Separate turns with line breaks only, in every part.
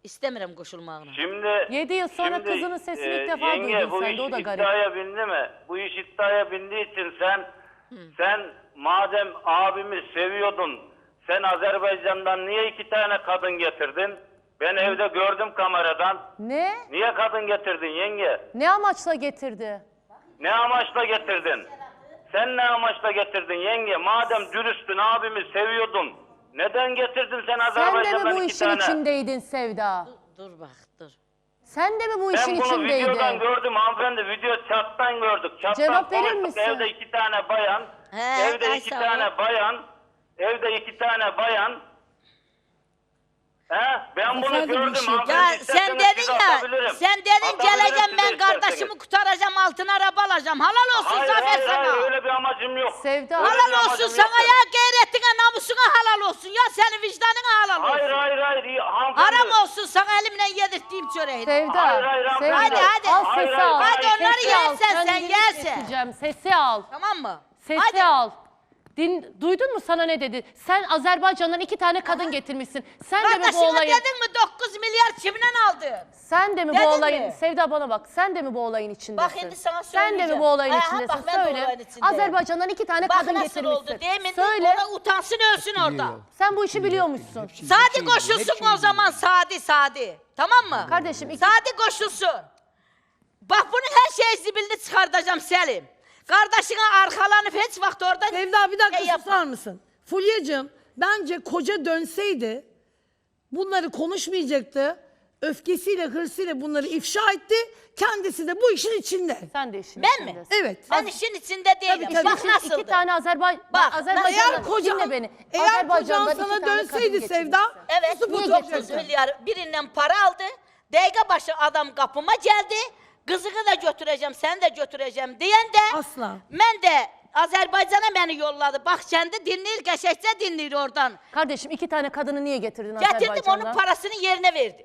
İstemiyorum koşulmağını.
Şimdi
7 yıl sonra kızının sesini ilk defa
yenge,
duydun
bu
sen
iş
de, o da garip.
iddiaya bindi mi? Bu iş iddiaya bindiği için sen madem abimi seviyordun, sen Azerbaycan'dan niye 2 tane kadın getirdin? Ben evde gördüm kameradan.
Ne?
Niye kadın getirdin yenge?
Ne amaçla getirdi?
Ne amaçla getirdin? Sen ne amaçla getirdin yenge? Madem dürüstün, abimi seviyordun. Neden getirdin sen
Sen de
Azerbaycan'dan
mi bu
2
işin
tane?
içindeydin Sevda?
Dur bak dur.
Sen de mi bu işin
Ben bunu
içindeydin?
videodan gördüm hanımefendi. Video chat'tan gördük. Chat'tan
Cevap verir
konuştuk.
misin?
Evde 2 tane bayan.
He,
Evde
ay
2
sağ ol.
tane bayan. Evde 2 tane bayan. He? Ben bunu
Efendim, bir
gördüm
şey-
hanımefendi.
Ya sen
İsterseniz
dedin
siz
ya,
atabilirim.
sen dedin
Atabilirim
geleceğim
siz
ben
de isterseniz.
kardeşimi kurtaracağım, altın araba alacağım. Halal olsun
Hayır,
Zafer
hayır,
sana.
hayır, öyle bir amacım yok.
Sevda.
Öyle bir
Halal olsun
amacım
sana
yok.
ya, gayretine, namusuna halal olsun ya, senin vicdanına halal olsun.
Hayır, hayır, hayır. Hanımefendi.
Haram olsun sana elimle yedirttiğim çöreği.
Sevda.
Hayır, hayır,
Sevda.
hanımefendi.
Hadi,
Al
Hayır,
sesi
hayır,
al.
hayır.
Hadi onları
Sesi al.
yersen sen
Kendini
yersen.
keseceğim. Sesi al.
Tamam mı?
Sesi
Hadi.
al. Duydun mu sana ne dedi? Sen Azerbaycan'dan 2 tane kadın getirmişsin. Sen de mi bu
Kardeşine
olayın?
dedin mi 9 milyar kimden aldın?
Sen de mi
Dedin
bu olayın?
mi?
Sevda bana bak. Sen de mi bu olayın içindesin?
Bak şimdi sana
Sen de mi
söyleyeceğim.
bu olayın
Aha,
içindesin?
bak ben de
Söyle.
olayın içindeyim.
Azerbaycan'dan 2 tane
Bak
kadın
nasıl
getirmişsin.
oldu. Demin
Söyle.
ona utansın ölsün orada.
Sen bu işi biliyormuşsun.
Sadi koşulsun o zaman, Sadi. Tamam mı?
Kardeşim,
Sadi koşulsun. Bak bunun her şeyi zibilini çıkartacağım Selim. Kardeşine arkalanıp hiç vakit orada...
Sevda bir dakika
şey yapma.
susar mısın? Fulya'cığım bence koca dönseydi bunları konuşmayacaktı. Öfkesiyle, hırsıyla bunları ifşa etti. Kendisi de bu işin içinde.
Sen de işin
Ben mi?
içindesin.
Evet.
Ben işin içinde değilim.
tabii.
Bak nasıldı.
2 tane Azerbaycan.
Bak,
Azerbaycan'dan dinle beni.
Eğer kocan
Azerbaycan'dan 2
sana
tane kadın
dönseydi
getirmişsin.
Sevda,
Evet,
susup
niye
oturacaktın.
9 milyar birinden para aldı. Dakika başı adam kapıma geldi. Kızını da götüreceğim, seni de götüreceğim diyen de...
Asla.
Ben de Azerbaycan'a beni yolladı. Bak kendi dinleyir, geçekçe dinleyir oradan.
Kardeşim 2 tane kadını niye getirdin
Getirdim,
Azerbaycan'dan?
onun parasını yerine verdim.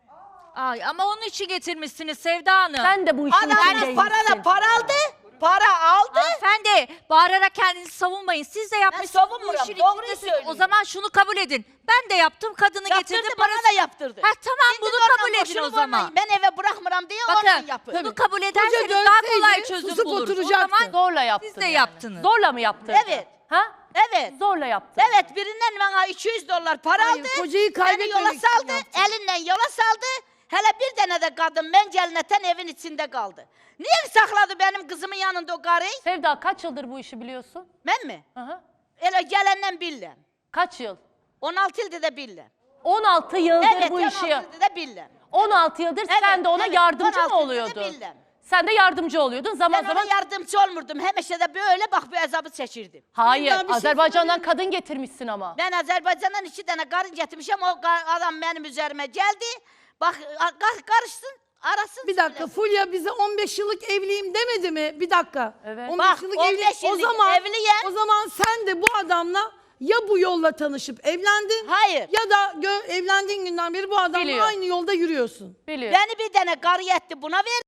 Ay ama onun için getirmişsiniz Sevda Hanım.
Sen de bu işin
Adam
içindeymişsin.
para aldı. Para aldı.
Hanımefendi bağırarak kendinizi savunmayın. Siz de yapmışsınız.
savunmuyorum,
bu işin
doğruyu
içindesiniz.
söylüyorum.
O zaman şunu kabul edin. Ben de yaptım, kadını getirdim.
Yaptırdı, bana da yaptırdı.
Ha tamam,
Şimdi
bunu
oradan
kabul edin
boşuna
o zaman.
vurmayın. Ben eve bırakmıram diye oradan
Bakın
yapın.
bunu kabul
Koca
ederseniz daha kolay
dönseydi,
çözüm
susup
buluruz. O
oturacaktı.
zaman
Zorla yaptın.
siz de
yani.
yaptınız.
Zorla mı yaptın?
Evet.
Ha?
Evet.
Zorla yaptın.
Evet, birinden bana $200 para
Hayır,
aldı.
kocayı
Beni
kaybetmemek
yola
için
saldı.
yaptı.
Elinden yola saldı. Hele bir tane de kadın mencelneten evin içinde kaldı. Niye sakladı benim kızımın yanında o karıyı?
Sevda kaç yıldır bu işi biliyorsun?
Ben mi?
Aha.
Hele gelenden billen.
Kaç yıl?
16 yılda da billen.
16 yıldır
Evet,
bu
16
işi.
yılda da billen.
16 yıldır sen de ona
evet,
yardımcı
16
mı
yılda da
oluyordun?
bildim.
Sen de yardımcı oluyordun zaman
Ben
zaman.
ona yardımcı olmurdum. Hemeşe de böyle bak bu azabı çekirdim.
Hayır,
Sevda, bir şey
Azerbaycan'dan kadın getirmişsin ama.
Ben Azerbaycan'dan 2 tane karın getirmişim. O adam benim üzerime geldi. Bak karışsın, arasın.
Bir dakika,
söylesin.
Fulya bize 15 yıllık evliyim demedi mi? Bir dakika.
Evet.
15
Bak,
yıllık
15
evli. O
yıllık
zaman
evliyen-
o zaman sen de bu adamla ya bu yolla tanışıp evlendin.
Hayır.
Ya da evlendiğin günden beri bu adamla
Biliyor.
aynı yolda yürüyorsun.
Biliyorum.
Beni bir tane karı yetti, buna ver.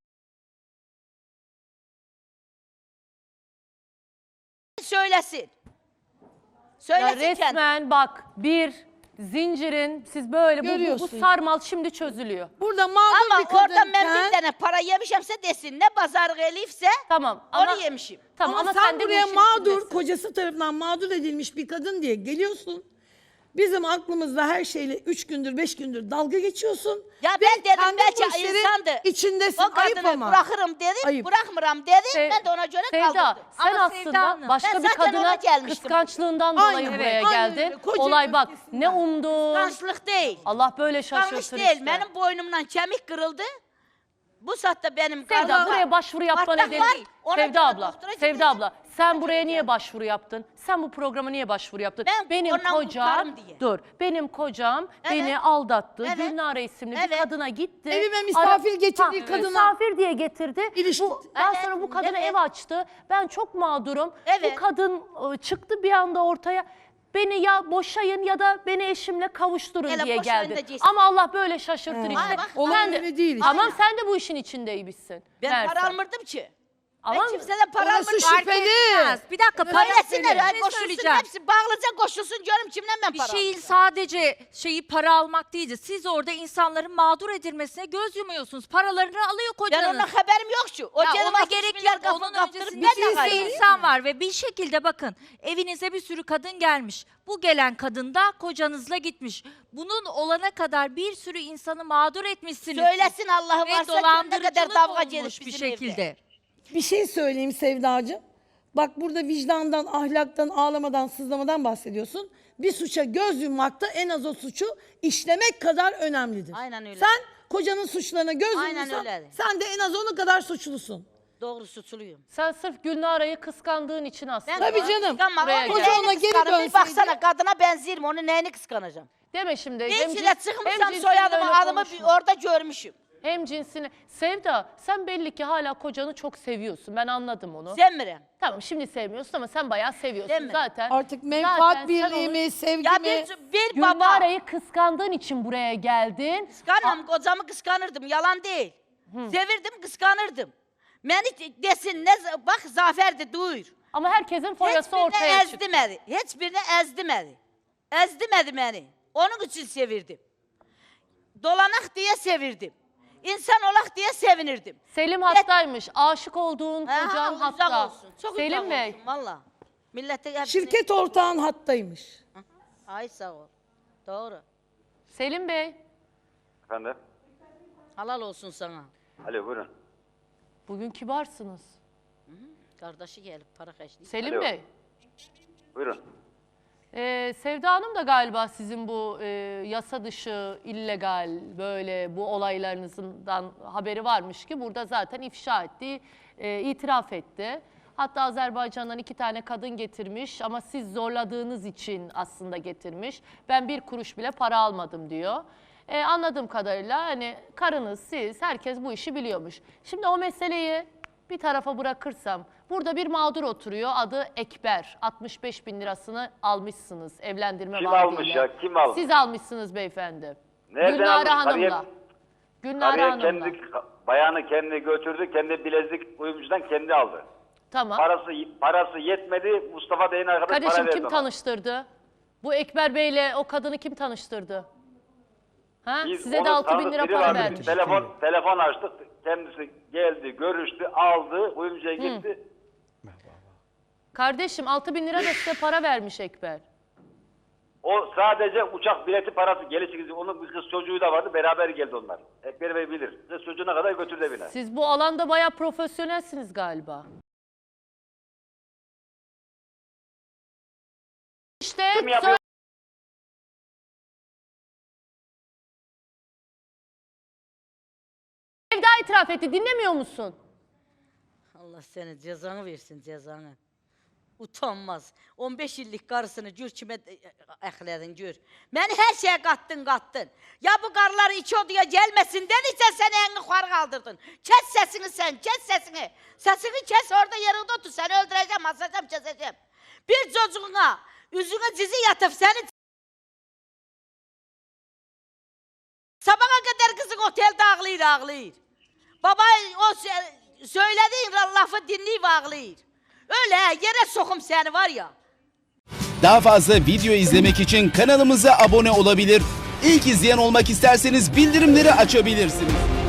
Söylesin.
Ya
Söylesin kendi.
resmen bak bir zincirin siz böyle bu
Görüyorsun.
sarmal şimdi çözülüyor.
Burada mağdur
Ama
bir kadınken...
oradan ben bir tane para yemişimse desin. Ne pazar gelifse
Tamam
onu
ama
yemişim.
tamam
Ama,
ama
sen
de bu
buraya
işin
mağdur,
içindesin.
kocası tarafından mağdur edilmiş bir kadın diye geliyorsun. Bizim aklımızda her şeyle 3 gündür 5 gündür dalga geçiyorsun.
Ya
Ve
ben dedim
kendi
belki
bu işlerin
insandı.
içindesin.
O
Ayıp
kadını
ama.
bırakırım dedim,
Ayıp.
bırakmıram dedim.
Se-
Ben de ona göre
Sevda,
kaldırdım.
sen
Ama Sevda
aslında
Hanım,
başka
ben
bir
zaten ona
kadına
gelmiştim.
kıskançlığından
Aynen,
dolayı
evet,
buraya
aynen
geldin.
öyle. Koca
Olay bak
öfkesinden.
ne umdun.
Kıskançlık değil.
Allah böyle
Kıskanç
şaşırtır
değil.
işte.
Benim boynumdan kemik kırıldı. Bu saatte benim
Sevda
karnımda
buraya başvuru yapma
patlak
nedeni
var. Ona
Sevda
göre
abla,
doktora
Sevda
gideceğim.
abla sen buraya niye başvuru yaptın? Sen bu programa niye başvuru yaptın?
Ben
benim
ondan
kocam,
kurtarım diye.
dur benim kocam
Evet.
beni aldattı.
Evet.
Gülnare isimli bir
Evet.
kadına gitti.
Evime misafir getirdiği kadına-
Misafir diye getirdi.
İlişki-
Daha
Evet,
sonra bu kadına
evet.
ev açtı. Ben çok mağdurum.
Evet.
Bu kadın çıktı bir anda ortaya. Beni ya boşayın ya da beni eşimle kavuşturun
Hele
diye
boşayın
geldi.
da geçsin.
Ama Allah böyle şaşırtır işte.
Ay bak,
olay
Sen de-
öyle değil işte.
Tamam sen de bu işin içindeymişsin.
Ben
Meğerse.
para almırdım ki.
Ama
Ben kimseden para
Orası
almadım.
şüpheli.
Fark etmez. Bir dakika
Söylesinler ya,
Bir şey
koşulsun
söyleyeceğim.
hepsi bağlıca koşulsun diyorum kimden ben
Bir
para
şeyin
aldım?
sadece para almak değildi. Siz orada insanların mağdur edilmesine göz yumuyorsunuz. Paralarını alıyor
Ben
kocanız.
ondan haberim yok şu. O
Ya
canım
ona
60
gerek
milyar
yok.
kapı
Onun
kaptırıp
öncesinde
ben
bir
de
sürü
kaybettim.
insan var ve bir şekilde bakın evinize bir sürü kadın gelmiş. Bu gelen kadın da kocanızla gitmiş. Bunun olana kadar bir sürü insanı mağdur etmişsiniz.
Söylesin Allah'ı
Ve
varsa ne kadar
dolandırıcılık
davga gelir
olmuş bir
bizim
şekilde.
evde.
Bir şey söyleyeyim Sevdacığım. Bak burada vicdandan, ahlaktan, ağlamadan, sızlamadan bahsediyorsun. Bir suça göz yummakta en az o suçu işlemek kadar önemlidir.
Aynen öyle.
Sen kocanın suçlarına göz
Aynen
yumursan
öyle.
sen de en az onun kadar suçlusun.
Doğru suçluyum.
sen sırf Gülnare'yi kıskandığın için aslında.
Tabii canım.
Kıskanma.
Buraya
Onu
gel.
neyini
Koca ona geri
kıskanırım? Bir
dönseydi-
baksana kadına benzerim. Onu neyini kıskanacağım?
Deme şimdi.
Bir
hem
içine
cins-
çıkmışsam
hem cinsiyle
soyadımı
öyle
adımı
konuşma.
orada görmüşüm.
Hem cinsini. Sevda sen belli ki hala kocanı çok seviyorsun. Ben anladım onu.
Zemre.
Tamam şimdi sevmiyorsun ama sen bayağı seviyorsun
Değil mi?
zaten.
Artık menfaat
Zaten sen
birliği
onu-
mi, sevgi
Ya
mi?
bir baba.
Gülnare'yi kıskandığın için buraya geldin.
Kıskanmam. Kocamı kıskanırdım. Yalan değil. Sevirdim, kıskanırdım. Beni desin ne bak Zafer'di duyur.
Ama herkesin foyası
Hiçbirini
ortaya çıktı.
ezdimedi. Hiçbirini ezdimedi. Ezdimedi beni. Onun için sevirdim. Dolanak diye sevirdim. İnsan olak diye sevinirdim.
Selim hastaymış. Aşık olduğun
Ha,
kocan
uzak
hatta.
olsun. Çok
Selim
uzak
Bey.
olsun valla. Millete hepsini...
Şirket ortağın hattaymış.
Ay sağ ol. Doğru.
Selim Bey.
Efendim?
Halal olsun sana.
Alo buyurun.
Bugün kibarsınız.
Kardeşi gelip para kaçtı.
Selim
Alo.
Bey.
Buyurun.
Sevda Hanım da galiba sizin bu yasa dışı, illegal böyle bu olaylarınızdan haberi varmış ki burada zaten ifşa etti, itiraf etti. Hatta Azerbaycan'dan 2 tane kadın getirmiş ama siz zorladığınız için aslında getirmiş. Ben 1 kuruş bile para almadım diyor. Anladığım kadarıyla hani karınız, siz, herkes bu işi biliyormuş. Şimdi o meseleyi bir tarafa bırakırsam, burada bir mağdur oturuyor, adı Ekber. 65 bin lirasını almışsınız evlendirme
Kim
vaadiyle.
almış ya, kim almış?
Siz almışsınız beyefendi.
Nereden
Gülnare
almış?
Hanım'la. Gülnare
Karıya
Hanım'la.
bayanı kendi götürdü, kendi bilezik uyumcudan kendi aldı.
Tamam.
Parası yetmedi, Mustafa Bey'in arkadaş para
Kardeşim
verdi
kim
ona.
tanıştırdı? Bu Ekber Bey'le o kadını kim tanıştırdı? Ha?
Biz
Size de
onun
6 bin
tanıdık
lira
biri
para
vardı.
vermiş.
Biz telefon açtık, kendisi geldi, görüştü, aldı, uyumcuya gitti.
Kardeşim 6 bin lira da size para vermiş Ekber.
O sadece uçak bileti parası geliş gidiyor. Onun bir kız çocuğu da vardı, beraber geldi onlar. Ekber Bey bilir. Kız çocuğuna kadar götürdü evine.
Siz bu alanda bayağı profesyonelsiniz galiba. İşte
Kim yapıyor?
Sevda itiraf etti. Dinlemiyor musun?
Allah seni cezanı versin cezanı. Utanmaz. 15 yıllık karısını gör kime ehledin gör. Beni her şeye kattın. Ya bu karılar iki odaya gelmesin dediyse seni en yukarı kaldırdın. Kes sesini sen, kes sesini. Sesini kes orada yerinde otur. Seni öldüreceğim, asacağım, keseceğim. Bir çocuğuna yüzüne dizi yatıp seni sabaha kadar kızın otelde ağlayır. Baba o söylediğin lafı dinleyip ağlayır. Öyle yere sokum seni var ya.
Daha fazla video izlemek için kanalımıza abone olabilir. İlk izleyen olmak isterseniz bildirimleri açabilirsiniz.